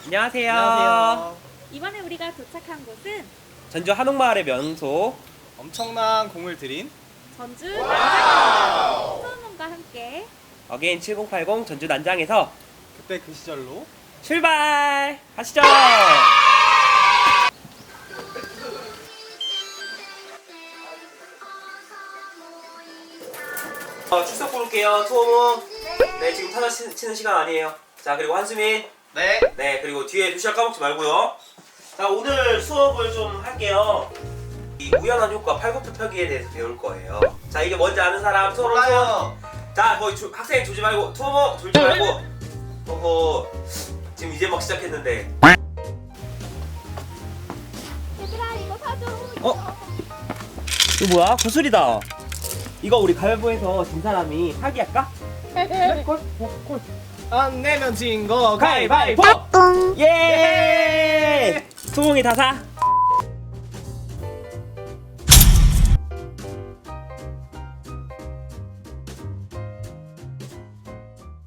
안녕하세요. 안녕하세요. 이번에 우리가 도착한 곳은 전주 한옥마을의 명소 엄청난 공을 들인 전주 난장 소음원과 함께 어게인 7080 전주 난장에서 그때 그 시절로 출발! 하시죠! 출석 부를게요. 투어몽. 네, 지금 타자 치는 시간 아니에요. 자, 그리고 한수민. 네. 네, 그리고 뒤에 도시락 까먹지 말고요. 자, 오늘 수업을 좀 할게요. 이 우연한 효과 팔굽혀펴기에 대해서 배울 거예요. 자, 이게 뭔지 아는 사람 투어몽 투어. 자, 거기 학생 졸지 말고 투어몽 졸지 말고. 어허, 지금 이제 막 시작했는데. 얘들아 이거 사줘. 이거 뭐야? 구슬이다. 이거 우리 가위바위보해서 진 사람이 사기할까? 콜. 안 내면 진 거 가위바위보! 예! 소몽이 다 사?